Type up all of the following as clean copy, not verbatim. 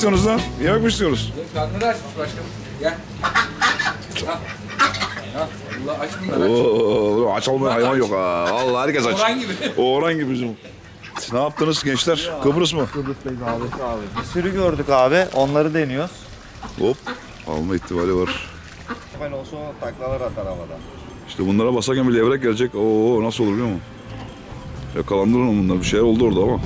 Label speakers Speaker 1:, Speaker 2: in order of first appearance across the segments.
Speaker 1: istiyorsunuz lan? Yemek mi istiyoruz?
Speaker 2: Karnları açmış başkanım. Gel. Allah aç bunları aç.
Speaker 1: Oo, aç olmayan hayvan yok ha. Vallahi herkes aç.
Speaker 2: Orhan gibi.
Speaker 1: Orhan gibi bizim. Ne yaptınız gençler? Kıbrıs mı?
Speaker 3: Kıbrıs'tayız abi. Bir sürü gördük abi. Onları deniyoruz.
Speaker 1: Hop. Alma ihtimali var.
Speaker 3: Ben olsa o taklalar atar havada.
Speaker 1: İşte bunlara basarken bir levrek gelecek. Oo nasıl olur biliyor musun? Yakalandı lan bunlar. Bir şeyler oldu orada ama.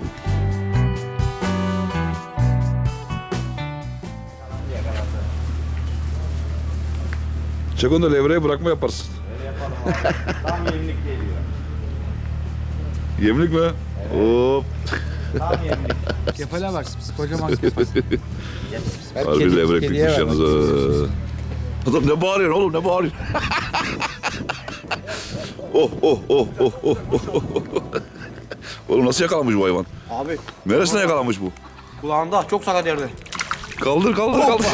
Speaker 1: Çek onu da levreye bırakma yaparsın.
Speaker 3: Öyle yapalım abi. Tam yemlik geliyor.
Speaker 1: Yemlik mi? Hop.
Speaker 3: Tam yemlik.
Speaker 2: Kefale bak. Kocaman kefale.
Speaker 1: Harbi levrek bitmiş yalnız. Adam ne bağırıyorsun oğlum ne bağırıyorsun? Oh oh oh oh oh oh. Oğlum nasıl yakalanmış bu hayvan?
Speaker 4: Abi
Speaker 1: Neresine yakalanmış bu?
Speaker 4: kulağında çok sakat yerde.
Speaker 1: Kaldır kaldır kaldır.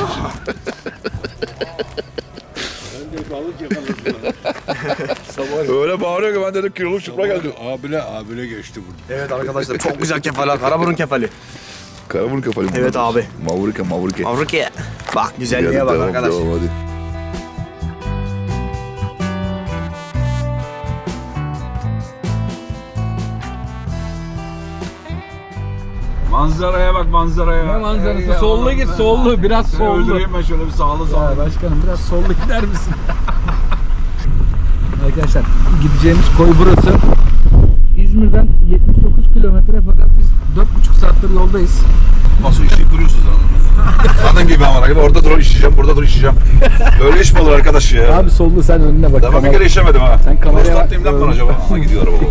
Speaker 1: Öyle bağırıyor ki ben dedim kiloluk çıpra geldi.
Speaker 5: Abile geçti burada.
Speaker 4: Evet arkadaşlar çok güzel kefali. Karaburun kefali.
Speaker 1: Karaburun kafalı.
Speaker 4: Evet abi.
Speaker 1: Mavrike mavrike.
Speaker 4: Avrupa'ya. Bak güzelliğe bak arkadaş.
Speaker 1: Devam, hadi. Manzaraya bak manzaraya.
Speaker 2: Ne manzarası? Sollu git sollu. Biraz sollu.
Speaker 1: Öldüreyim ben şöyle bir sağlı sağlı.
Speaker 2: Başkanım biraz sollu gider misin? Arkadaşlar gideceğimiz koy burası. İzmir'den 79 kilometre fakat biz 4,5 saattir yoldayız.
Speaker 1: Nasıl işi duruyorsunuz anladın. Kadın gibi ama gibi orada dur işleyeceğim, burada dur işleyeceğim. Öyle iş mi olur arkadaş ya?
Speaker 2: Abi sollu sen önüne bak.
Speaker 1: Daha bir kere işlemedim ha.
Speaker 2: Sen kameraya bak.
Speaker 1: Startlayayım lan acaba? Aha gidiyor araba.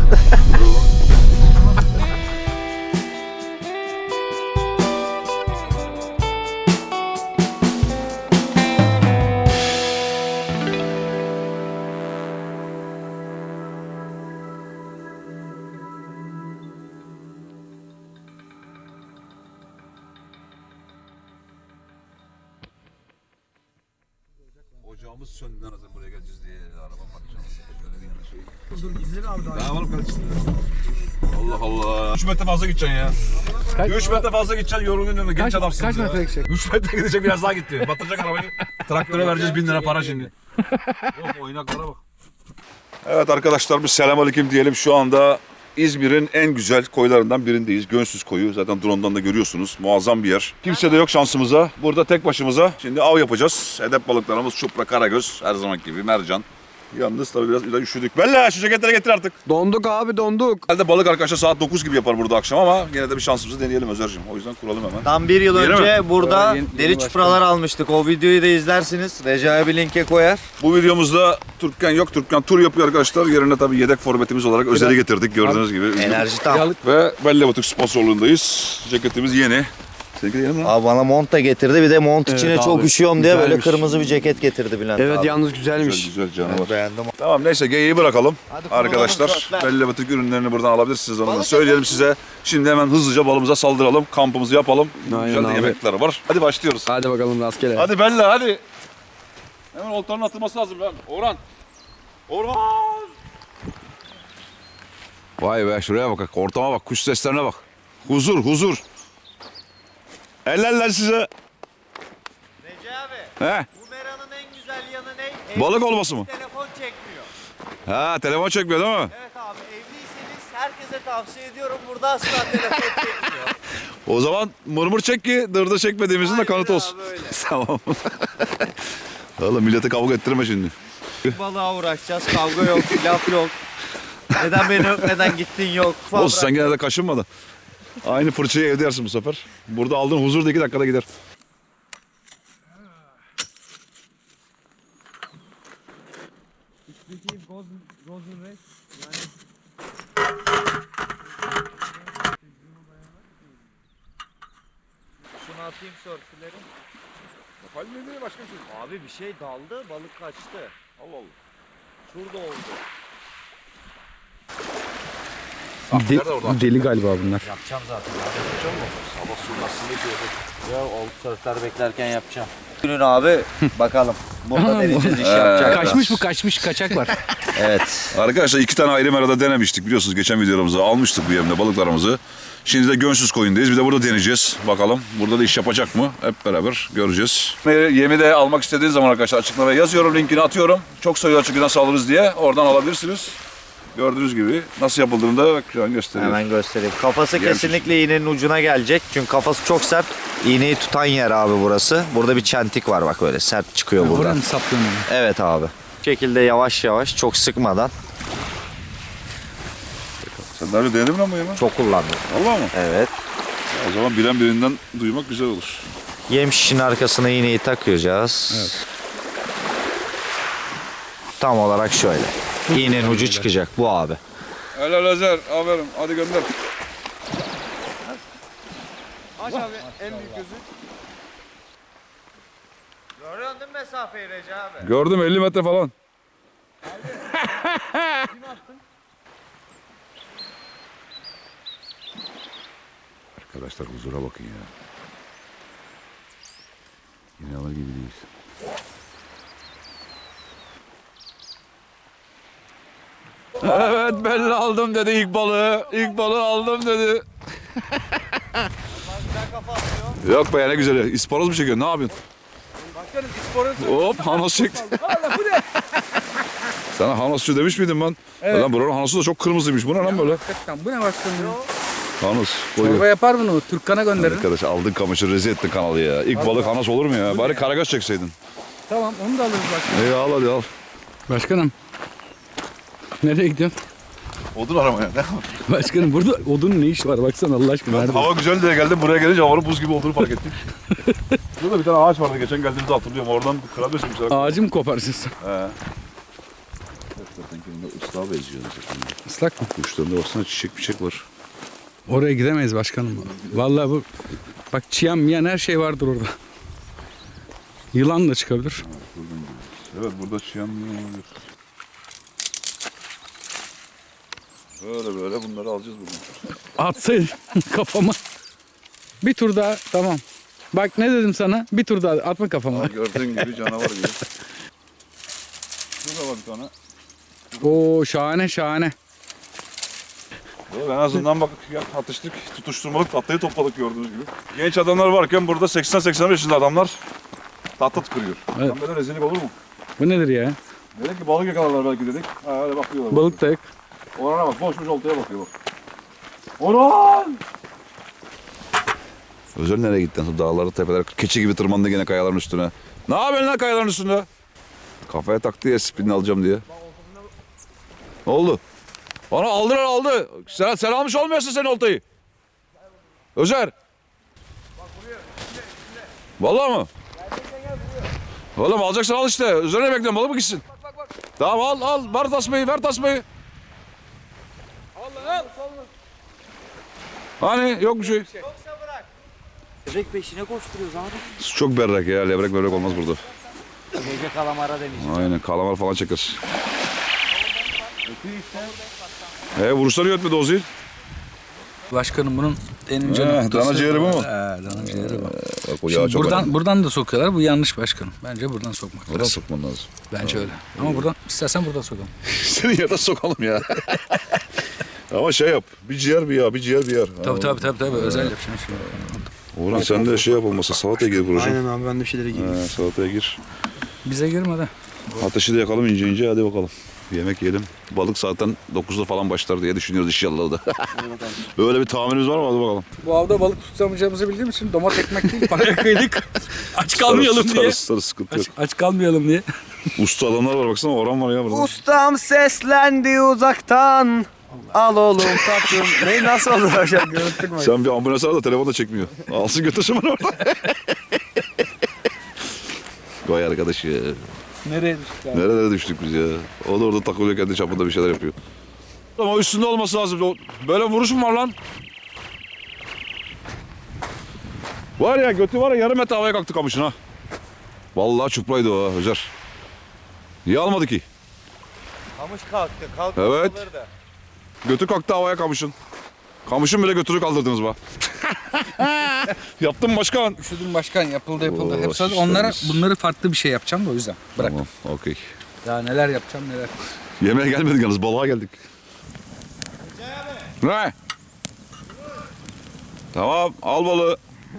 Speaker 1: Ocağımız söndü lan hazır buraya geleceğiz diye araba bakacağız. Şöyle bir yana şey.
Speaker 4: Dur izle abi daha.
Speaker 1: Daha var mı kardeşim? Allah Allah. 3 metre fazla gideceksin ya. 3 metre fazla gideceksin yorulun genç adamsın.
Speaker 2: Kaç metre gidecek?
Speaker 1: 3 metre gidecek biraz daha gitti. Batıracak arabayı. Traktöre vereceğiz 1000 lira para şimdi. Yok oynaklara bak. Evet arkadaşlar bir selamünaleyküm diyelim. Şu anda İzmir'in en güzel koylarından birindeyiz. Gönsüz koyu. Zaten drone'dan da görüyorsunuz. Muazzam bir yer. Kimse de yok şansımıza. Burada tek başımıza. Şimdi av yapacağız. Hedef balıklarımız çupra, karagöz. Her zaman gibi mercan. Yalnız tabii biraz üşüdük. Bella şu ceketleri getir artık.
Speaker 4: Donduk abi donduk.
Speaker 1: Herhalde balık arkadaşlar saat 9 gibi yapar burada akşam ama yine de bir şansımızı deneyelim Özer'cim. O yüzden kuralım hemen.
Speaker 3: Tam bir yıl
Speaker 1: Yeni
Speaker 3: önce burada
Speaker 2: Yeni
Speaker 3: deri çupralar almıştık. O videoyu da izlersiniz. Recai bir linke koyar.
Speaker 1: Bu videomuzda Türkken yok. Türkken tur yapıyor arkadaşlar. Yerine tabii yedek forvetimiz olarak Özer'i getirdik gördüğünüz gibi.
Speaker 3: Enerji tam.
Speaker 1: Ve Bella Batık sponsorluğundayız. Ceketimiz yeni. Seninki de yeni mi lan?
Speaker 3: Abi bana mont da getirdi. Bir de mont içine
Speaker 4: Evet
Speaker 3: çok
Speaker 4: abi,
Speaker 3: üşüyorum diye böyle
Speaker 4: güzelmiş.
Speaker 3: kırmızı bir ceket getirdi Bülent
Speaker 4: Evet
Speaker 3: abi.
Speaker 4: yalnız
Speaker 1: Güzel
Speaker 4: güzelmiş.
Speaker 1: güzel canavar.
Speaker 3: Evet, beğendim.
Speaker 1: Tamam neyse geyiği bırakalım.
Speaker 3: Hadi kuralım
Speaker 1: Arkadaşlar
Speaker 3: suratlar.
Speaker 1: Bella Batık ürünlerini buradan alabilirsiniz. Onu da söyleyelim size. Şimdi hemen hızlıca balımıza saldıralım. Kampımızı yapalım.
Speaker 4: Aynen
Speaker 1: Güzel de
Speaker 4: abi.
Speaker 1: yemekler var. Hadi başlıyoruz.
Speaker 4: Hadi bakalım rastgele.
Speaker 1: Hadi Bella hadi. Hemen oltanın atılması lazım lan. Orhan. Orhan. Vay be şuraya bak. Ortama bak. Kuş seslerine bak. Huzur huzur. Eller size.
Speaker 3: Recai abi.
Speaker 1: He?
Speaker 3: Bu meranın en güzel yanı ne?
Speaker 1: Balık olması mı?
Speaker 3: Telefon çekmiyor.
Speaker 1: Ha telefon çekmiyor değil mi?
Speaker 3: Evet abi evliyseniz herkese tavsiye ediyorum. Burada asla telefon çekmiyor.
Speaker 1: O zaman mırmır çek ki dırda çekmediğimizin de
Speaker 3: Aynen
Speaker 1: kanıtı
Speaker 3: abi,
Speaker 1: olsun.
Speaker 3: öyle.
Speaker 1: Tamam. Oğlum millete kavga ettirme şimdi.
Speaker 3: Balığa uğraşacağız. Kavga yok, laf yok. Neden beni öpmeden gittin yok.
Speaker 1: Olsun sen gene de kaşınma. Aynı fırçayı evde yersin bu sefer. Burada aldığın huzur da 2 dakikada gider.
Speaker 3: Şunu atayım sörfleri.
Speaker 1: Kalbine değil başka bir şey.
Speaker 3: Abi bir şey daldı, balık kaçtı.
Speaker 1: Allah Allah.
Speaker 3: Şurada oldu.
Speaker 1: Nerede orada?
Speaker 4: Deli galiba bunlar.
Speaker 3: Yapacağım zaten. Yapacağım mı? Sabah suyun aslında ya o sörfler beklerken yapacağım. Günün abi bakalım. Burada deneyeceğiz iş yapacak.
Speaker 2: Kaçmış bu kaçmış kaçak var.
Speaker 3: Evet.
Speaker 1: Arkadaşlar 2 tane ayrı merada denemiştik biliyorsunuz geçen videolarımızda almıştık bu yemde balıklarımızı. Şimdi de Gönsüz Koyun'dayız. Bir de burada deneyeceğiz. Bakalım burada da iş yapacak mı? Hep beraber göreceğiz. Yemi de almak istediğiniz zaman arkadaşlar açıklamaya yazıyorum. Linkini atıyorum. Çok soruyor çünkü nasıl alırız diye. Oradan alabilirsiniz. Gördüğünüz gibi nasıl yapıldığını da şu an gösteriyor.
Speaker 3: Hemen göstereyim. Kafası
Speaker 1: Gelmiş.
Speaker 3: kesinlikle iğnenin ucuna gelecek. Çünkü kafası çok sert. İğneyi tutan yer abi burası. Burada bir çentik var bak öyle sert çıkıyor buradan.
Speaker 2: Oradan saplanıyor.
Speaker 3: Evet abi. Bu şekilde yavaş yavaş çok sıkmadan
Speaker 1: Sen daha önce denedin mi lan bu yemi?
Speaker 3: çok kullandım.
Speaker 1: Vallahi mı?
Speaker 3: Evet.
Speaker 1: O zaman bilen birinden duymak güzel olur.
Speaker 3: Yem şişin arkasına iğneyi takacağız.
Speaker 2: Evet.
Speaker 3: Tam olarak şöyle. İğnenin ucu çıkacak bu abi.
Speaker 1: Helal Özer. Aferin. Hadi gönder.
Speaker 4: Aç abi en büyük gözü.
Speaker 3: Görüyorsun değil mi mesafeyi Recep abi?
Speaker 1: Gördüm 50 metre falan. Arkadaşlar huzura bakın ya. Yine alır gibi değiliz. Evet belli aldım dedi ilk balığı. İlk balığı aldım dedi. Yok be ne güzel. İspanoz mu çekiyor? Ne yapıyorsun?
Speaker 2: Başkanım isporun
Speaker 1: Hop hanos çekti. Sana hanosçu demiş miydim ben?
Speaker 2: Evet.
Speaker 1: Lan buranın hanosu da çok kırmızıymış. Bu ne lan böyle?
Speaker 2: Hakikaten bu ne başkanım?
Speaker 1: Hanos.
Speaker 2: Çorba
Speaker 1: Koyuyor.
Speaker 2: yapar bunu. Türkkan'a gönderin.
Speaker 1: Arkadaş aldın kamışı rezil ettin kanalı ya. İlk balık hanos olur mu ya? Bari karagöz çekseydin.
Speaker 2: Tamam onu da alırız başkanım.
Speaker 1: İyi al hadi al.
Speaker 2: Başkanım. Nereye gidiyorsun?
Speaker 1: Odun aramaya.
Speaker 2: Başkanım burada odunun ne işi var? Baksana Allah aşkına. Nerede?
Speaker 1: Hava güzel diye geldim. Buraya gelince havanın buz gibi olduğunu fark ettim. Burada bir tane ağaç vardı geçen geldiğimizde hatırlıyorum. Oradan kırabilir misin?
Speaker 2: Ağacı mı koparsın?
Speaker 1: He. Islağa benziyor.
Speaker 2: Islak mı?
Speaker 1: Kuşlarında baksana çiçek var.
Speaker 2: Oraya gidemeyiz başkanım. Vallahi bu bak çiyan miyan her şey vardır orada. Yılan da çıkabilir.
Speaker 1: Evet burada çiyan olabilir. Böyle bunları alacağız bugün.
Speaker 2: Atsaydın kafama. Bir tur daha tamam. Bak ne dedim sana? Bir tur daha atma kafama.
Speaker 1: Gördüğün gibi canavar gibi. Şurada var bir tane.
Speaker 2: Oo şahane şahane.
Speaker 1: En azından bak ya, atıştık, tutuşturmalık tahtayı topladık gördüğünüz gibi. Genç adamlar varken burada 80-85 yaşında adamlar tahta kırıyor.
Speaker 2: Evet.
Speaker 1: Tam böyle rezillik olur mu?
Speaker 2: Bu nedir ya?
Speaker 1: Dedik ki balık yakalarlar belki dedik. Ha öyle bakıyorlar.
Speaker 2: Balık da yok.
Speaker 1: Orana bak, boş oltaya bakıyor bak. Orhan! Özel nereye gittin? Dağları, tepeler, keçi gibi tırmandı gene kayaların üstüne. Ne yapıyorsun lan kayaların üstünde? Kafaya taktı ya spinini alacağım diye. Ne oldu? Bana aldı. Sen almış olmuyorsun sen oltayı. Özer. Vallahi mı? Oğlum alacaksan al işte. Üzerine bekliyorum balık mı gitsin? Tamam al. Ver tasmayı. Al. Hani yok bir şey.
Speaker 3: Yoksa bırak. Levrek peşine koşturuyoruz abi.
Speaker 1: Çok berrak ya. Levrek olmaz burada.
Speaker 3: Gece kalamara deneyeceğim.
Speaker 1: Aynen kalamar falan çekeriz. Vuruşları yötmedi o zil.
Speaker 2: Başkanım bunun en
Speaker 1: dana ciğeri bu mu?
Speaker 2: Dana ciğeri bu.
Speaker 1: Bak o yağı çok önemli.
Speaker 2: Buradan da sokuyorlar. Bu yanlış başkanım. Bence buradan sokmak
Speaker 1: Buradan
Speaker 2: lazım.
Speaker 1: sokman lazım.
Speaker 2: Bence öyle. Ama buradan istersen buradan sokalım.
Speaker 1: Seni yerden sokalım ya. Ama şey yap. Bir ciğer bir yağ, bir ciğer bir yağ.
Speaker 2: Tabii. Özel yapacağım şimdi.
Speaker 1: Orhan sen de şey yap olmasa salataya gir Buracığım.
Speaker 4: Aynen abi ben de bir şeylere gireyim.
Speaker 1: Salataya gir.
Speaker 2: Bize girme de.
Speaker 1: Ateşi de yakalım ince hadi bakalım. Yemek yiyelim. Balık zaten 9'da falan başlar diye düşünüyoruz inşallah da. Böyle bir tahminimiz var mı? Hadi bakalım.
Speaker 2: Bu avda balık tutamayacağımızı bildiğim için domat ekmek değil paraya kıydık. Aç kalmayalım diye.
Speaker 1: Sarı sıkıntı yok.
Speaker 2: Aç kalmayalım diye.
Speaker 1: Usta adamlar var baksana Orhan var ya burada.
Speaker 4: Ustam seslendi uzaktan. Al oğlum tatlım. Ne nasıl oldu hocam? Görüntük mü?
Speaker 1: Sen bir ambulans ara da telefon da çekmiyor. Alsın götürsün bana orada. Vay arkadaş ya.
Speaker 2: Nereye düştük abi?
Speaker 1: Nerelere düştük biz ya. O da orada takılıyor kendi çapında bir şeyler yapıyor. Ama üstünde olması lazım. Böyle vuruş mu var lan? Var ya götü var ya yarım metre havaya kalktı kamışın ha. Vallahi çupraydı o ha Özer. Niye almadı ki?
Speaker 3: Kamış kalktı.
Speaker 1: Evet. Götü kalktı havaya kamışın. Kamışın bile götünü kaldırdınız bak. Yaptın başkan.
Speaker 2: Üşüdüm başkan yapıldı.
Speaker 1: Oo,
Speaker 2: Hep sadece bunları farklı bir şey yapacağım da o yüzden. Bırak.
Speaker 1: Tamam okey.
Speaker 2: Ya neler yapacağım neler.
Speaker 1: Yemeğe gelmedik yalnız balığa geldik. Ne? Tamam al balığı.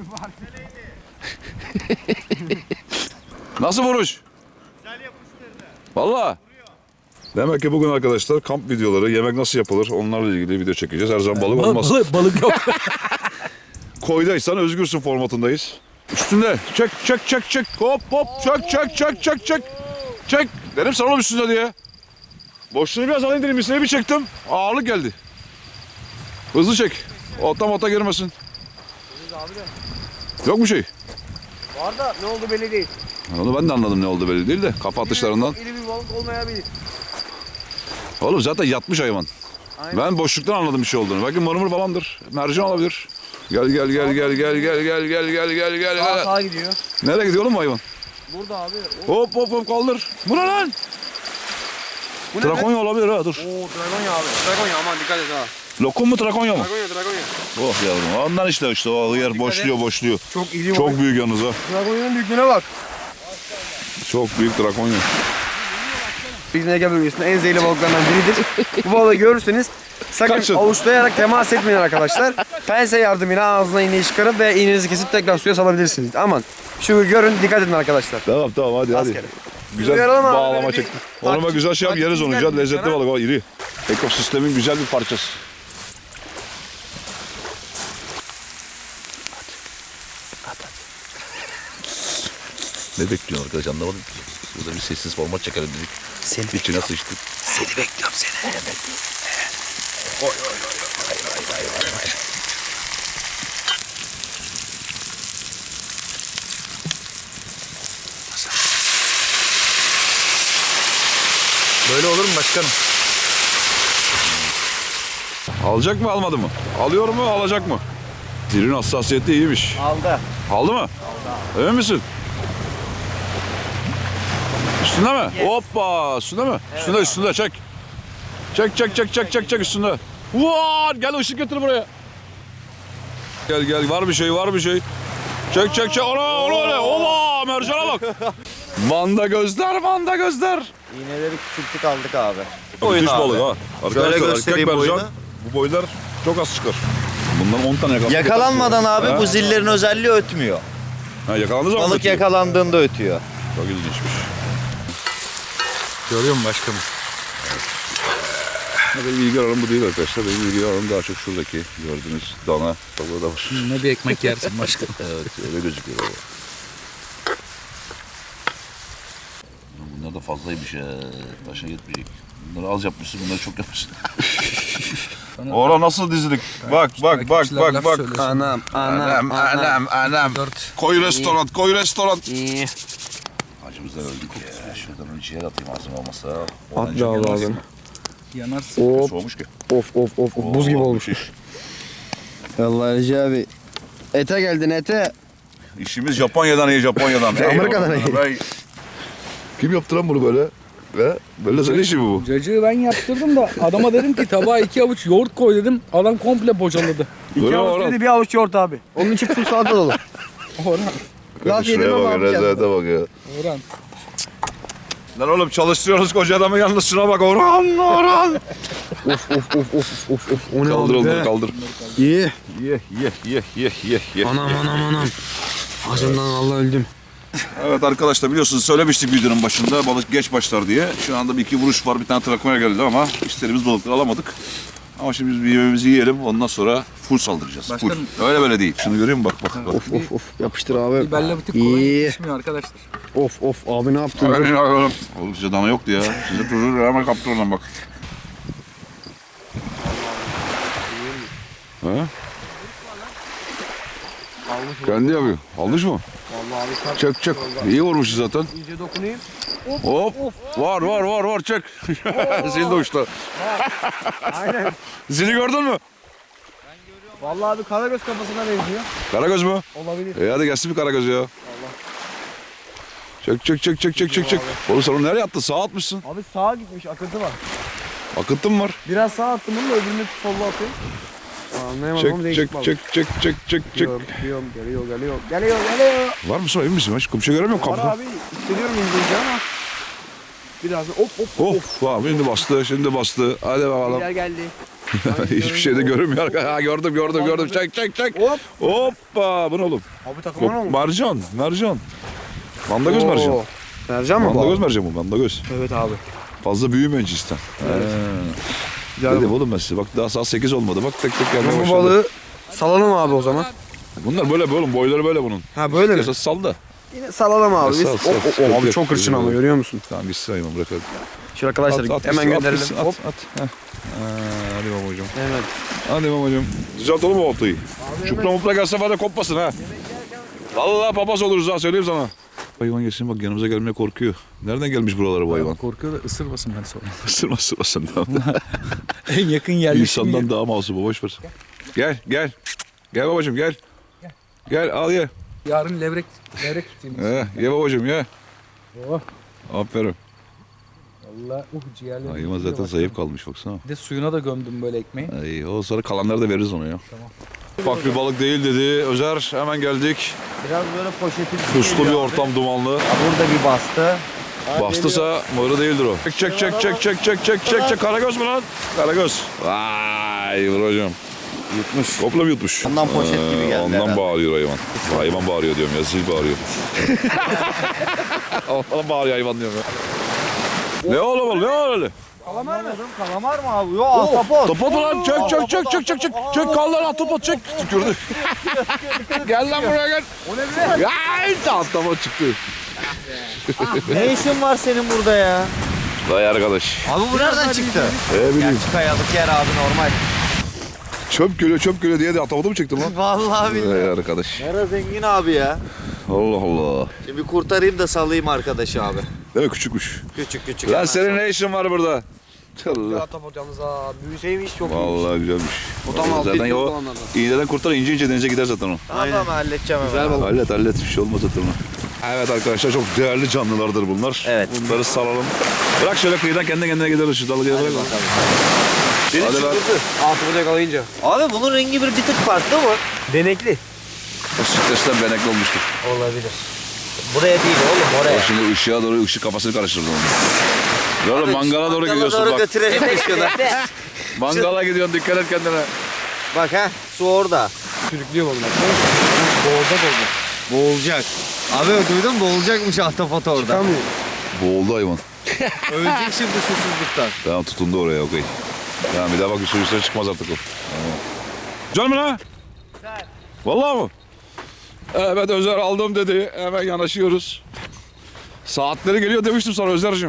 Speaker 1: Nasıl vuruş? Güzel yapıştırdı. Valla. Demek ki bugün arkadaşlar kamp videoları, yemek nasıl yapılır onlarla ilgili video çekeceğiz. Her zaman balık olmaz.
Speaker 2: Balık yok.
Speaker 1: Koydaysan özgürsün formatındayız. Üstünde. Çek. Hop. Çek. Dedim sana oğlum üstünde diye. Boşluğunu biraz alayım dedim. Üstüne bir çektim. Ağırlık geldi. Hızlı çek. Ota girmesin. Yok mu şey?
Speaker 4: Var da ne oldu belli değil.
Speaker 1: Onu ben de anladım ne oldu belli değil de. Kafa atışlarından.
Speaker 4: İri bir balık olmayabilir.
Speaker 1: Oğlum zaten yatmış hayvan.
Speaker 4: Aynen.
Speaker 1: Ben boşluktan anladım bir şey olduğunu. Belki mırmır falandır. Mercan olabilir. Gel.
Speaker 4: Sağa gidiyor.
Speaker 1: Nereye gidiyor oğlum bu hayvan?
Speaker 4: Burada abi.
Speaker 1: Hop kaldır. Bu ne lan?
Speaker 4: Bu ne?
Speaker 1: Trakonya olabilir ha dur.
Speaker 4: Oo dragonya abi. Dragonya aman dikkat et ha.
Speaker 1: Lokum mu trakonya mı?
Speaker 4: Dragonya.
Speaker 1: Oh yavrum ondan işte o yer boşluyor.
Speaker 4: Çok iri balık.
Speaker 1: Çok büyük yalnız ha.
Speaker 4: Dragonya'nın büyüklüğüne bak.
Speaker 1: Çok büyük trakonya.
Speaker 4: Bizim Ege bölgesinde en zehirli balıklardan biridir. Bu balığı görürseniz sakın
Speaker 1: Kaçın.
Speaker 4: avuçlayarak temas etmeyin arkadaşlar. Pense yardımıyla ağzına iğneyi çıkarın ve iğnenizi kesip tekrar suya salabilirsiniz. Aman şu görün dikkat edin arkadaşlar.
Speaker 1: Tamam hadi.
Speaker 4: Rastgele.
Speaker 1: Güzel
Speaker 4: Uyaralım abi,
Speaker 1: bağlama
Speaker 4: böyle bir
Speaker 1: çektim. Onunla
Speaker 4: taktik-
Speaker 1: güzel şey yap yeriz onu.
Speaker 4: taktik
Speaker 1: Güzel lezzetli
Speaker 4: güzel
Speaker 1: balık o iri. Ekosistemin güzel bir parçası.
Speaker 6: Ne bekliyorsun arkadaş anlamadım ki. Burada bir sessiz format çekelim dedik.
Speaker 3: Seni
Speaker 6: İçine sıçtık.
Speaker 3: Seni bekliyorum seni.
Speaker 2: Böyle olur mu başkanım?
Speaker 1: Alacak mı almadı mı? Alıyor mu alacak mı? Dilin hassasiyeti iyiymiş.
Speaker 3: Aldı.
Speaker 1: Aldı mı? Aldı. Emin misin? Üstünde mi? Hoppa! Üstünde mi? Evet, üstünde çek. Çek üstünde. Vaa! Gel ışık getir buraya. Gel var bir şey. Çek. Ona öyle. Ova! Mercana bak. Manda gözler.
Speaker 3: İğneleri küçülttük aldık abi.
Speaker 1: Müthiş balık ha. Arkadaşlar erkek
Speaker 3: göstereyim
Speaker 1: mercan.
Speaker 3: boyunu.
Speaker 1: Bu boylar çok az çıkar. Bundan 10 tane yakaladık.
Speaker 3: Yakalanmadan abi
Speaker 1: Ha.
Speaker 3: bu zillerin özelliği ötmüyor.
Speaker 1: Ha, yakalandığı zaman
Speaker 3: Balık
Speaker 1: ötüyor.
Speaker 3: yakalandığında ötüyor.
Speaker 1: Çok ilginçmiş.
Speaker 2: Görüyor musun başkanım?
Speaker 1: Benim ilgi alanım bu değil arkadaşlar. Benim ilgi alanım daha çok şuradaki gördüğünüz dana balığı da var.
Speaker 2: Ne bir ekmek yersin başkanım.
Speaker 1: Evet öyle gözüküyor. Baba.
Speaker 6: Bunlar da fazlaymış ya. Başa yetmeyecek. Bunları az yapmışsın, bunları çok yapmışsın.
Speaker 1: Ora nasıl dizilik? Bak.
Speaker 4: Anam.
Speaker 1: Koy restoran.
Speaker 6: Acımızdan öldük ya. Şuradan bir ciğer atayım ağzıma olmasa.
Speaker 4: At be abi.
Speaker 2: Yanarsın.
Speaker 4: Hop.
Speaker 1: Soğumuş ki.
Speaker 4: Of. Buz gibi olmuş. Vallahi Recep abi. Ete geldin ete.
Speaker 1: İşimiz Japonya'dan iyi.
Speaker 4: Amerika'dan iyi.
Speaker 1: Eyvallah. Kim yaptı lan bunu böyle? Ve böyle senin işi mi bu?
Speaker 2: Cacığı ben yaptırdım da adama dedim ki tabağa 2 avuç yoğurt koy dedim. Adam komple bocaladı.
Speaker 1: Böyle
Speaker 4: İki avuç
Speaker 1: Orhan.
Speaker 4: dedi bir avuç yoğurt abi. Onun için full salata dolu.
Speaker 2: Orhan.
Speaker 4: Laf yedim
Speaker 1: Şuraya
Speaker 4: ama
Speaker 1: bak,
Speaker 4: abi
Speaker 1: rezalete bak ya.
Speaker 2: Orhan.
Speaker 1: Lan oğlum çalıştırıyoruz koca adamı yalnız şuna bak Orhan.
Speaker 4: Of. O ne
Speaker 1: Kaldır
Speaker 4: oldu
Speaker 1: onları
Speaker 4: be?
Speaker 1: kaldır.
Speaker 4: İyi.
Speaker 1: Ye.
Speaker 4: Anam. Acımdan Allah öldüm.
Speaker 1: Evet arkadaşlar biliyorsunuz söylemiştik videonun başında balık geç başlar diye. Şu anda bir iki vuruş var bir tane trakoya geldi ama istediğimiz balıkları alamadık. Ama şimdi biz bir yemeğimizi yiyelim ondan sonra full saldıracağız.
Speaker 2: Başkanım.
Speaker 1: Full. Öyle böyle değil. Şunu görüyor musun? Bak.
Speaker 4: Of. Yapıştır abi.
Speaker 2: Biberle bir tık
Speaker 4: İyi.
Speaker 2: kolay yetişmiyor arkadaşlar.
Speaker 4: Of abi ne yaptın?
Speaker 1: Oğlum size dana yoktu ya. Size çocuğu hemen kaptır oradan bak. Ha? Kendi yapıyor. Almış mı?
Speaker 4: Vallahi abi
Speaker 1: Çek. İyi vurmuşuz zaten.
Speaker 4: iyice dokunayım.
Speaker 1: Hop. Var. Çek. Zil de uçtu.
Speaker 4: Aynen.
Speaker 1: Zili gördün mü?
Speaker 4: Vallahi abi karagöz kafasına benziyor.
Speaker 1: Karagöz mü?
Speaker 4: Olabilir.
Speaker 1: Hadi gelsin bir karagöz ya. Çek. Oğlum sen onu nereye attın? Sağa atmışsın.
Speaker 4: Abi sağa gitmiş akıntı var.
Speaker 1: Akıntı mı var?
Speaker 4: Biraz sağa attım bunu da öbürünü solla atıyorum. Anlayamadım ama değişik balık.
Speaker 1: Çek.
Speaker 4: Geliyor.
Speaker 1: Var mı sonra emin misin? Hiç kumşa göremiyorum
Speaker 4: Var
Speaker 1: kapıda.
Speaker 4: abi hissediyorum incelince ama. Biraz da hop.
Speaker 1: Of, şimdi bastı. Hadi bakalım.
Speaker 4: Gel geldi.
Speaker 1: Hiçbir şey de görünmüyor. Ha, gördüm. Çek.
Speaker 4: Hop.
Speaker 1: Hoppa. Bu ne oğlum?
Speaker 4: Abi takımın olmuş.
Speaker 1: Mercan. Mandagöz mercan.
Speaker 4: Oo. Mercan mı bu?
Speaker 1: Mandagöz
Speaker 4: abi?
Speaker 1: mercan bu. Mandagöz.
Speaker 4: Evet abi.
Speaker 1: Fazla büyümeyin cinsten.
Speaker 4: Güzel
Speaker 1: Dedim
Speaker 4: bu.
Speaker 1: oğlum ben size. Bak daha saat 8 olmadı. Bak tek gelmeye
Speaker 4: Bu
Speaker 1: başladı.
Speaker 4: balığı salalım abi o zaman.
Speaker 1: Bunlar böyle oğlum. Boyları böyle bunun.
Speaker 4: Ha böyle mi?
Speaker 1: Esas sal da.
Speaker 4: Yine salalım abi.
Speaker 1: Sal,
Speaker 4: Biz.
Speaker 1: sal.
Speaker 4: Abi çok hırçın ama görüyor musun?
Speaker 1: Tamam gitsin hayvan bırak hadi.
Speaker 4: Şu arkadaşlar hemen
Speaker 1: gitsin,
Speaker 4: gönderelim.
Speaker 1: gitsin,
Speaker 4: Hop.
Speaker 1: At. Heh. Hadi babacığım.
Speaker 4: Evet.
Speaker 1: Hadi babacığım. Düzeltelim o oltayı. Çupra mupra gelse var ya kopmasın ha. Vallahi papaz oluruz ha söyleyeyim sana. Hayvan gelsin bak yanımıza gelmeye korkuyor. Nereden gelmiş buralara bu hayvan?
Speaker 2: Korkuyor da ısırmasın ben sonra.
Speaker 1: Isırmasın.
Speaker 2: En yakın yerleşim
Speaker 1: İnsandan daha masum boş ver. Gel. Gel babacığım gel. Gel al ye.
Speaker 2: Yarın levrek tutayım.
Speaker 1: Ye babacığım ye.
Speaker 2: Oh.
Speaker 1: Aferin.
Speaker 2: Valla ciğerlerim.
Speaker 1: Hayvan zaten zayıf kalmış baksana.
Speaker 2: Bir de suyuna da gömdüm böyle ekmeği.
Speaker 1: Ay, o sonra kalanları da veririz ona ya. Tamam. Bak bir balık değil dedi. Özer hemen geldik.
Speaker 3: Biraz böyle poşetin.
Speaker 1: Puslu bir ortam dumanlı.
Speaker 3: Burada bir bastı.
Speaker 1: Bastısa mırı değildir o. Çek. Karagöz mü lan? Karagöz. Vay hocam.
Speaker 3: Yutmuş.
Speaker 1: Komple mi yutmuş?
Speaker 3: Ondan poşet gibi geldi
Speaker 1: Ondan
Speaker 3: herhalde.
Speaker 1: bağırıyor hayvan. Hayvan bağırıyor diyorum ya. Zil bağırıyor. Ondan bağırıyor hayvan diyorum ya. Ne oğlum ne öyle?
Speaker 3: Kalamar mı abi? Yok ahtapot.
Speaker 1: Topot mu lan? Çek. Çek kal lan topot çek. Tükürdü. Gel lan buraya gel. O ne be? Ya işte atlama çıktı.
Speaker 3: Ne işin var senin burada ya?
Speaker 1: Vay arkadaş.
Speaker 3: Abi bu nereden çıktı?
Speaker 1: Bileyim.
Speaker 3: Gerçi kayalık yer abi normal.
Speaker 1: Çöp gölü diye de atamadı mı çektin lan?
Speaker 3: Vallahi billahi.
Speaker 1: Vay arkadaş.
Speaker 3: Nere zengin abi ya.
Speaker 1: Allah Allah.
Speaker 3: Şimdi bir kurtarayım da salayım arkadaşı abi.
Speaker 1: Değil mi küçükmüş?
Speaker 3: Küçük.
Speaker 1: Lan senin ne işin var burada? Allah.
Speaker 4: Ahtapot yalnız ha. Büyüseymiş çok iyiymiş.
Speaker 1: Vallahi güzelmiş.
Speaker 4: O tam altı
Speaker 1: Zaten
Speaker 4: yok
Speaker 1: o
Speaker 4: olanlardan.
Speaker 1: iğneden kurtar ince denize gider zaten o.
Speaker 3: Tamam halledeceğim hemen.
Speaker 4: Güzel balık.
Speaker 1: Hallet bir şey olmaz zaten ona. Evet arkadaşlar çok değerli canlılardır bunlar.
Speaker 3: Evet.
Speaker 1: Bunları salalım. Bırak şöyle kıyıdan kendi kendine gider şu dalgaya bırak. Hadi lan.
Speaker 4: Ahtapot yakalayınca.
Speaker 3: Abi bunun rengi bir tık farklı mı?
Speaker 4: Denekli.
Speaker 1: O stresten benekli olmuştur.
Speaker 3: Olabilir. Buraya değil oğlum
Speaker 1: O
Speaker 3: oraya.
Speaker 1: şimdi ışığa doğru ışık kafasını karıştırdı onu. Böyle mangala doğru gidiyorsun
Speaker 3: doğru
Speaker 1: bak.
Speaker 3: götürelim ışığını.
Speaker 1: Mangala gidiyorsun dikkat et kendine.
Speaker 3: Bak ha su orada.
Speaker 4: Sürüklüyor balık.
Speaker 3: Boğulacak. Abi duydun mu? Boğulacakmış ahtapot orada.
Speaker 4: Çıkamıyor.
Speaker 1: Boğuldu hayvan.
Speaker 3: Ölecek şimdi susuzluktan.
Speaker 1: Tamam tutundu oraya okey. Tamam bir daha bak üstüne çıkmaz artık o. Tamam. Can mı lan? Vallahi mı? Evet Özer aldım dedi. Hemen yanaşıyoruz. Saatleri geliyor demiştim sana Özer'cim.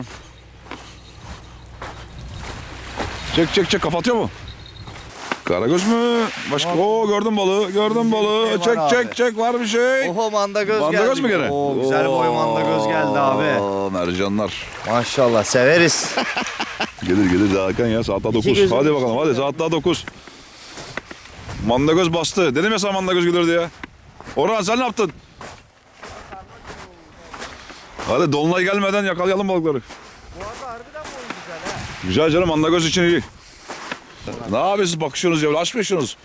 Speaker 1: Çek kapatıyor mu? Karagöz mü? Başka? Oo gördüm balığı. Çek var bir şey.
Speaker 3: Oho mandagöz geldi.
Speaker 1: Mandagöz mü gene?
Speaker 3: Oo güzel boy mandagöz geldi abi.
Speaker 1: Oo mercanlar.
Speaker 3: Maşallah severiz.
Speaker 1: Gelir daha erken ya saat daha 9. Hadi bakalım hadi saat daha 9. Mandagöz bastı. Dedim ya sana mandagöz gelirdi ya. Orhan sen ne yaptın? Hadi dolunay gelmeden yakalayalım balıkları.
Speaker 3: Bu arada harbiden boyu güzel ha.
Speaker 1: Güzel canım mandagöz için iyi. Ne yapıyorsunuz bakışıyorsunuz ya aşk mı yaşıyorsunuz?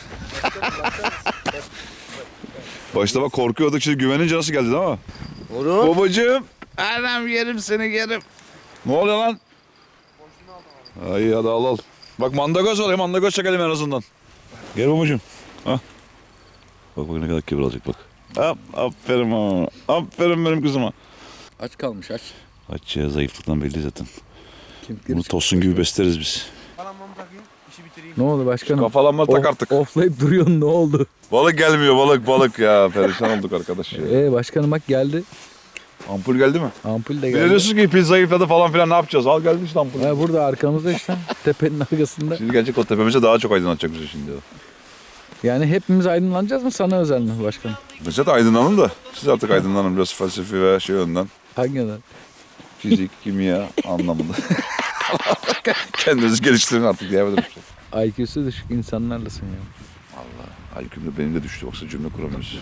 Speaker 1: Başta bak korkuyorduk şimdi güvenince nasıl geldi değil mi?
Speaker 3: Oğlum.
Speaker 1: Babacığım. Anam yerim seni yerim. Ne oluyor lan? Ay hadi al. Bak mandagöz var ya mandagöz çekelim en azından. Gel babacığım. Ha. Bak ne kadar kibir alacak bak. Aferin ha. Aferin benim kızıma.
Speaker 2: Aç kalmış aç.
Speaker 1: Aç ya zayıflıktan belli zaten.
Speaker 2: Kim
Speaker 1: Bunu tosun gibi besleriz biz.
Speaker 4: Kalanmamı takayım. İşi bitireyim.
Speaker 2: Ne oldu başkanım?
Speaker 1: Kafalanma tak artık.
Speaker 2: Offlayıp duruyorsun ne oldu?
Speaker 1: Balık gelmiyor balık ya. Perişan olduk arkadaş ya.
Speaker 2: Başkanım bak geldi.
Speaker 1: Ampul geldi mi?
Speaker 2: Ampul de
Speaker 1: Bir de
Speaker 2: geldi.
Speaker 1: diyorsun ki pil zayıfladı falan filan ne yapacağız? Al geldi işte ampul.
Speaker 2: Burada arkamızda işte tepenin arkasında.
Speaker 1: Şimdi gelecek o tepemize daha çok aydınlatacak bizi şimdi.
Speaker 2: Yani hepimiz aydınlanacağız mı sana özel mi başkanım?
Speaker 1: Biz de aydınlanın da siz artık aydınlanın biraz felsefi ve şey yönden.
Speaker 2: Hangi yönden?
Speaker 1: Fizik, kimya anlamında. Kendinizi geliştirin artık diyebilirim.
Speaker 2: IQ'su düşük insanlarlasın ya.
Speaker 1: IQ'm de benim de düştü yoksa cümle kuramıyoruz.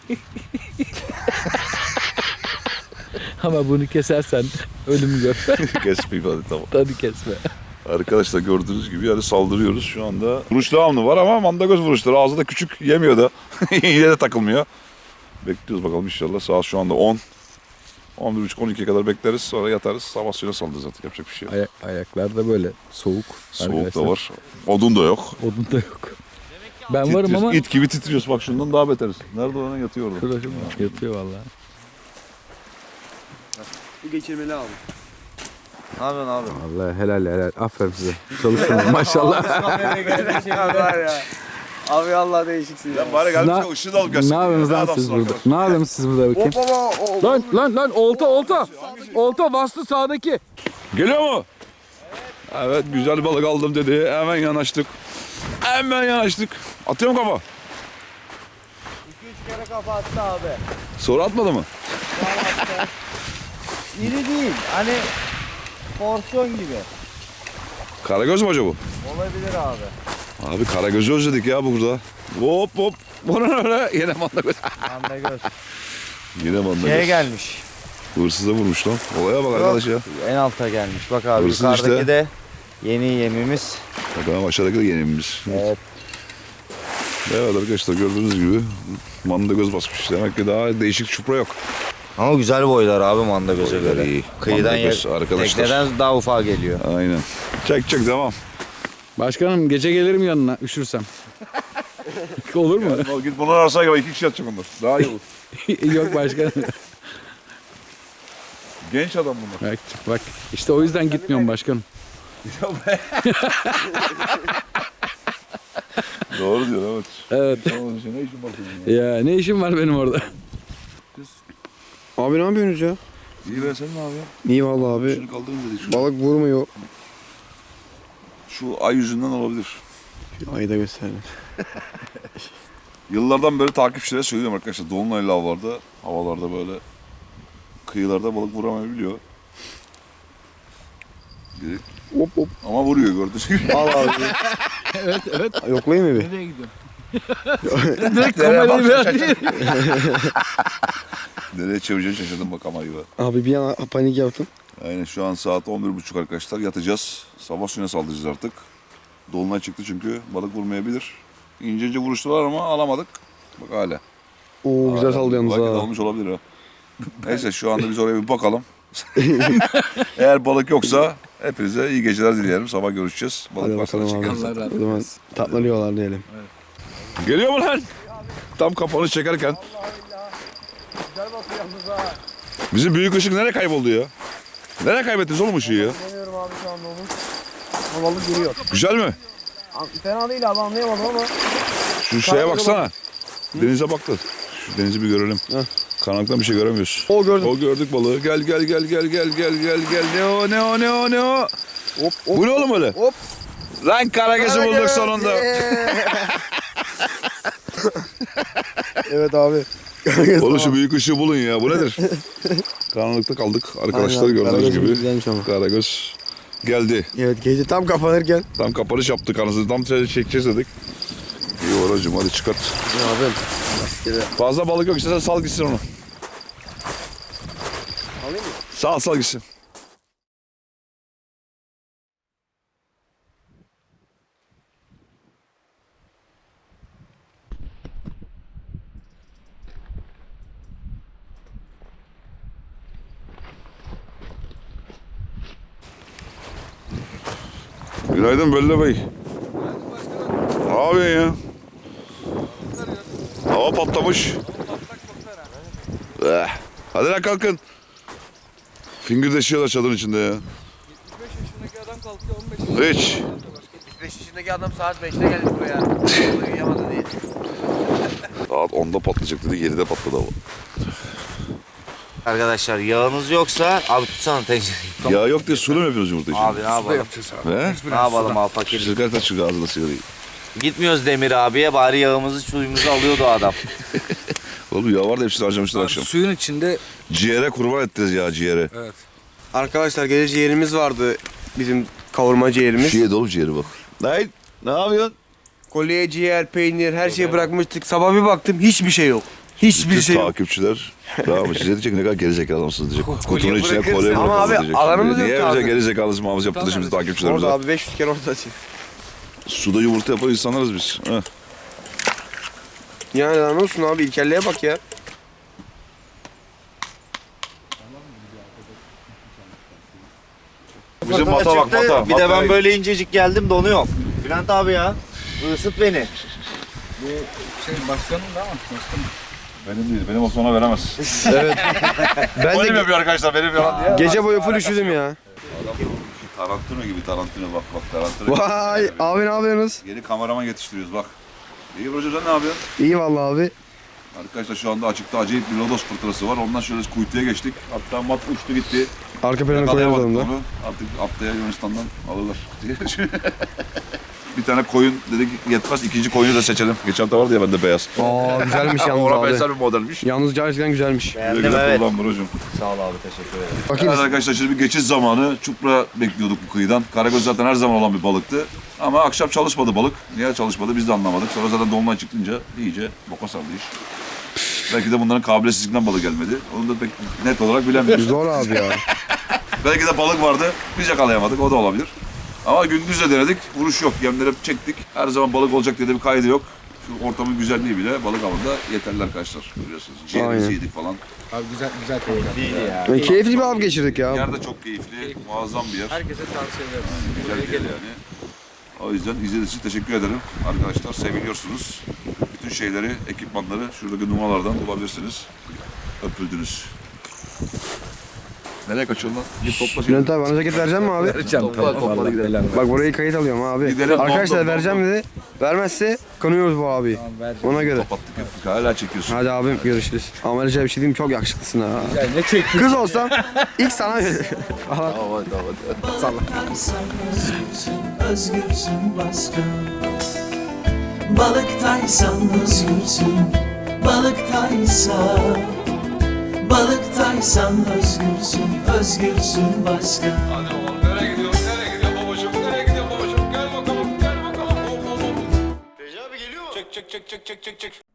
Speaker 2: Ama bunu kesersen ölümü gör.
Speaker 1: Kesmeyeyim hadi tamam.
Speaker 2: Hadi kesme.
Speaker 1: Arkadaşlar gördüğünüz gibi yani saldırıyoruz şu anda. Vuruş devamlı var ama mandagöz vuruşları ağzı da küçük yemiyor da. Yine de takılmıyor. Bekliyoruz bakalım inşallah. Saat şu anda 10. 11.30-12'ye kadar bekleriz. Sonra yatarız. Sabah suyuna salacağız zaten. Yapacak bir şey yok.
Speaker 2: Ayaklar da böyle soğuk.
Speaker 1: Soğuk
Speaker 2: arkadaşlar.
Speaker 1: da var. Odun da yok.
Speaker 2: Odun da yok. Ben varım ama
Speaker 1: İt gibi titriyoruz. Bak şundan daha beteriz. Nerede olan yatıyor orada.
Speaker 2: şurada yatıyor vallahi.
Speaker 4: Bu geçirmeli abi.
Speaker 3: Ne yapıyorsun abi?
Speaker 2: Vallahi helal. Aferin size. Çalışın maşallah.
Speaker 4: Var ya. Abi Allah değişiksin ya.
Speaker 1: Bari gelmiş
Speaker 2: Ne-
Speaker 1: de ışığı da alıp
Speaker 2: Ne
Speaker 1: gelsin.
Speaker 2: yapıyorsunuz lan siz burada? Ne yapıyorsunuz siz burada bakayım? Lan olta. Olta bastı sağdaki.
Speaker 1: Geliyor mu? Evet güzel balık aldım dedi. Hemen yanaştık. Atıyor mu kafa?
Speaker 3: 2-3 kere kafa attı abi.
Speaker 1: Sonra atmadı mı?
Speaker 3: İri değil. Hani porsiyon gibi.
Speaker 1: Karagöz mü acaba?
Speaker 3: Olabilir abi.
Speaker 1: Abi karagözü özledik ya burada. Hop. Bu ne öyle? Yine mandagöz.
Speaker 3: Mandagöz.
Speaker 1: Yine mandagöz.
Speaker 3: Şeye gelmiş.
Speaker 1: Hırsıza vurmuş lan. Olaya bak arkadaş ya.
Speaker 3: En alta gelmiş. Bak abi
Speaker 1: Hırsız
Speaker 3: yukarıdaki
Speaker 1: işte.
Speaker 3: de yeni yemimiz.
Speaker 1: Bakalım aşağıdaki de yenimiz.
Speaker 3: Evet.
Speaker 1: Evet arkadaşlar gördüğünüz gibi mandagöz basmış. Demek ki daha değişik çupra yok.
Speaker 3: Ama güzel boylar abi mandagöz'e
Speaker 1: Boyları
Speaker 3: göre.
Speaker 1: iyi.
Speaker 3: Kıyıdan
Speaker 1: Mandagöz arkadaşlar.
Speaker 3: tekneden daha ufağa geliyor.
Speaker 1: Aynen. Çek devam.
Speaker 2: Başkanım gece gelirim yanına üşürsem. Olur mu?
Speaker 1: Git bunu arasana gibi 2 kişi yatacak onlar. Daha iyi olur.
Speaker 2: Yok başkanım.
Speaker 1: Genç adam bunlar.
Speaker 2: Bak işte o yüzden gitmiyorum başkanım.
Speaker 1: Doğru diyor evet.
Speaker 2: Evet.
Speaker 1: Tamam, ne işin var senin ya?
Speaker 2: Ya ne işim var benim orada?
Speaker 4: Abi ne yapıyorsunuz ya?
Speaker 1: İyi be sen ne yapıyorsun?
Speaker 4: İyi vallahi abi.
Speaker 1: Şunu kaldırın dedik.
Speaker 4: Balık vurmuyor.
Speaker 1: Şu ay yüzünden olabilir.
Speaker 4: Ayı da gösterdim.
Speaker 1: Yıllardan beri takipçilere söylüyorum arkadaşlar. Dolunaylı havalarda böyle kıyılarda balık vuramayabiliyor. Biri-
Speaker 4: Hop.
Speaker 1: Ama vuruyor gördüğünüz gibi.
Speaker 4: Al abi.
Speaker 2: Evet.
Speaker 4: Yoklayayım mı bir?
Speaker 2: Nereye gidiyorsun?
Speaker 1: Direkt
Speaker 2: kamerayı ver diye.
Speaker 1: Nereye çevireceğini şaşırdım bak ama gibi.
Speaker 4: Abi bir an panik yaptım.
Speaker 1: Aynen şu an saat 11.30 arkadaşlar yatacağız. Sabah suyuna saldıracağız artık. Dolunay çıktı çünkü balık vurmayabilir. İnce vuruştular ama alamadık. Bak hala.
Speaker 4: Oo güzel sallıyorsunuz
Speaker 1: Belki
Speaker 4: ha.
Speaker 1: dalmış olabilir ha. Neyse şu anda biz oraya bir bakalım. Eğer balık yoksa hepinize iyi geceler dileyelim. Sabah görüşeceğiz.
Speaker 4: Hadi
Speaker 1: Balık varsa
Speaker 4: bakalım abi.
Speaker 1: çekeriz.
Speaker 2: Allah razı
Speaker 4: O zaman tatlanıyorlar diyelim.
Speaker 1: Geliyor mu lan? Tam kapanış çekerken. Bizim büyük ışık nereye kayboldu ya? Nereye kaybettiniz oğlum ışığı ya?
Speaker 4: Deniyorum abi şu anda onu. Ama balık geliyor.
Speaker 1: Güzel mi?
Speaker 4: Fena değil abi anlayamadım ama.
Speaker 1: Şu şeye baksana. Denize bak da. Şu denizi bir görelim.
Speaker 4: Heh.
Speaker 1: Karanlıktan bir şey göremiyoruz.
Speaker 4: O gördüm.
Speaker 1: O gördük balığı. Gel. Ne o?
Speaker 4: Hop
Speaker 1: Bu ne oğlum öyle?
Speaker 4: Hop.
Speaker 1: Lan karagözü bulduk sonunda.
Speaker 4: Evet abi.
Speaker 1: Oğlum şu büyük ışığı bulun ya. Bu nedir? Karanlıkta kaldık. Arkadaşlar
Speaker 4: Aynen,
Speaker 1: gördüğünüz
Speaker 4: Karagöz
Speaker 1: gibi.
Speaker 4: güzelmiş ama.
Speaker 1: Karagöz geldi.
Speaker 4: Evet gece tam kapanırken.
Speaker 1: Tam kapanış yaptık anasını. Tam çekeceğiz dedik. İyi oracım hadi çıkart.
Speaker 4: Abi.
Speaker 1: Fazla balık yok. İstersen sal gitsin onu.
Speaker 4: Alayım mı?
Speaker 1: Sal gitsin. Günaydın Belli Bey. Ne yapıyorsun ya? Hava patlamış. Hadi lan kalkın. Fingirdeşiyorlar çadırın içinde ya.
Speaker 7: 25 yaşındaki adam kalkıyor 15
Speaker 1: Hiç.
Speaker 7: 75 yaşındaki adam saat 5'te geldi buraya. Uyuyamadı diye.
Speaker 1: Saat 10'da patlayacak dedi 7'de patladı hava.
Speaker 3: Arkadaşlar yağınız yoksa abi tutsana tencereyi.
Speaker 1: Ya yok diye sulu mu yapıyoruz yumurta için?
Speaker 3: Abi ne yapalım?
Speaker 1: He?
Speaker 3: Ne yapalım abi fakir.
Speaker 1: Şirket açık ağzına sigarayı.
Speaker 3: Gitmiyoruz Demir abiye bari yağımızı suyumuzu alıyordu o adam.
Speaker 1: Oğlum ya var da hepsini harcamışlar akşam.
Speaker 7: Suyun içinde
Speaker 1: Ciğere kurban ettiniz ya ciğere.
Speaker 4: Arkadaşlar gece ciğerimiz vardı. Bizim kavurma ciğerimiz.
Speaker 1: Şiye dolu ciğeri bak. Ne yapıyorsun?
Speaker 4: Kolye, ciğer, peynir her şeyi bırakmıştık. Sabah bir baktım hiçbir şey yok. Hiçbir
Speaker 1: Bütün
Speaker 4: şey yok.
Speaker 1: takipçiler. Tamam size diyecek ne kadar gerizekalı adamsınız diyecek. Kutunun içine
Speaker 7: bırakırsın.
Speaker 1: kolye
Speaker 4: Ama
Speaker 1: bırakırsınız
Speaker 4: abi,
Speaker 1: diyecek.
Speaker 4: alanımız yok
Speaker 1: Niye
Speaker 4: ki
Speaker 1: bize
Speaker 4: abi.
Speaker 1: gerizekalısın muhabbet yaptı şimdi takipçilerimize?
Speaker 4: Orada abi 500 kere orada açayım.
Speaker 1: Suda yumurta yapan insanlarız biz. Heh.
Speaker 4: Yani lan olsun abi ilkelliğe bak ya.
Speaker 1: Bizim
Speaker 3: Fırtına
Speaker 1: mata bak,
Speaker 3: çıktı.
Speaker 1: mata.
Speaker 3: Bir de
Speaker 1: Mataya-
Speaker 3: ben böyle incecik geldim donuyorum. Bülent abi ya. Isıt beni.
Speaker 2: Başkanım da ama başkanım.
Speaker 1: Benim değil, benim olsa ona veremez.
Speaker 4: Ben
Speaker 1: Benim
Speaker 4: de
Speaker 1: yapıyor arkadaşlar, benim yalan diye.
Speaker 4: gece boyu full üşüdüm ya.
Speaker 1: Tarantino gibi, Tarantino bak Tarantino. gibi.
Speaker 4: Vay abi ne yapıyorsunuz?
Speaker 1: Yeni kameraman yetiştiriyoruz bak. İyi hocam, sen ne yapıyorsun?
Speaker 4: İyi vallahi abi.
Speaker 1: Arkadaşlar şu anda açıkta acayip bir lodos fırtınası var. Ondan şöyle kuytuya geçtik. Hatta mat uçtu gitti.
Speaker 4: Arka planı koyarız
Speaker 1: Yakalayamadık
Speaker 4: onu da.
Speaker 1: onu. Artık haftaya Yunanistan'dan alırlar diye. Bir tane koyun dedik yetmez, ikinci koyunu da seçelim. Geçen hafta vardı ya bende beyaz.
Speaker 4: Aa güzelmiş yalnız
Speaker 1: Ona
Speaker 4: abi.
Speaker 1: benzer bir modelmiş.
Speaker 4: Yalnız gerçekten güzelmiş.
Speaker 1: Güle
Speaker 3: Beğendim
Speaker 1: güle
Speaker 3: evet.
Speaker 1: kullan brocum.
Speaker 3: Sağ ol abi teşekkür ederim.
Speaker 4: Bakayım.
Speaker 1: Evet arkadaşlar, şimdi bir geçiş zamanı. Çupra bekliyorduk bu kıyıdan. Karagöz zaten her zaman olan bir balıktı. Ama akşam çalışmadı balık. Niye çalışmadı biz de anlamadık. Sonra zaten dolunay çıkınca iyice boka sardı iş. Belki de bunların kabiliyetsizliğinden balık gelmedi. Onu da pek net olarak bilemiyoruz.
Speaker 4: Zor abi ya.
Speaker 1: Belki de balık vardı, biz yakalayamadık. O da olabilir. Ama gündüz de denedik. Vuruş yok. Yemleri hep çektik. Her zaman balık olacak diye de bir kaydı yok. Şu ortamın güzelliği bile balık avında yeterli arkadaşlar. Görüyorsunuz. Ciğerimizi
Speaker 4: Aynen.
Speaker 1: yedik falan.
Speaker 2: Abi güzel koylar.
Speaker 4: Keyifli bir av geçirdik ya.
Speaker 1: Yer de çok keyifli. Muazzam bir yer.
Speaker 2: Herkese tavsiye ederiz.
Speaker 1: Güzel bir yer yani. O yüzden izlediğiniz için teşekkür ederim. Arkadaşlar seviliyorsunuz. Bütün şeyleri, ekipmanları şuradaki numaralardan bulabilirsiniz. Öpüldünüz. Nereye kaçıyorsun lan? Git topla şimdi.
Speaker 4: Bülent abi bana ceket verecek mi abi?
Speaker 1: Topla gidelim.
Speaker 4: Bak burayı kayıt alıyorum abi.
Speaker 1: Gidelim,
Speaker 4: Arkadaşlar
Speaker 1: dom,
Speaker 4: vereceğim dedi. Vermezse kanıyoruz bu abi. Ona göre.
Speaker 1: Kapattık hep. Hala çekiyorsun.
Speaker 4: Hadi abim görüşürüz. Ama öyle bir şey diyeyim çok yakışıklısın ha.
Speaker 2: Ne çektin?
Speaker 4: Kız olsam ilk sana veririm.
Speaker 8: Özgürsün başka. Balıktaysan özgürsün. Balıktaysan özgürsün. Özgürsün başka.
Speaker 1: Hadi oğlum, nereye gidiyorsun? Nereye gidiyor babacığım? Nereye gidiyor babacığım? Gel bakalım, gel bakalım. Hop hop hop. Recep abi geliyor mu? Çek.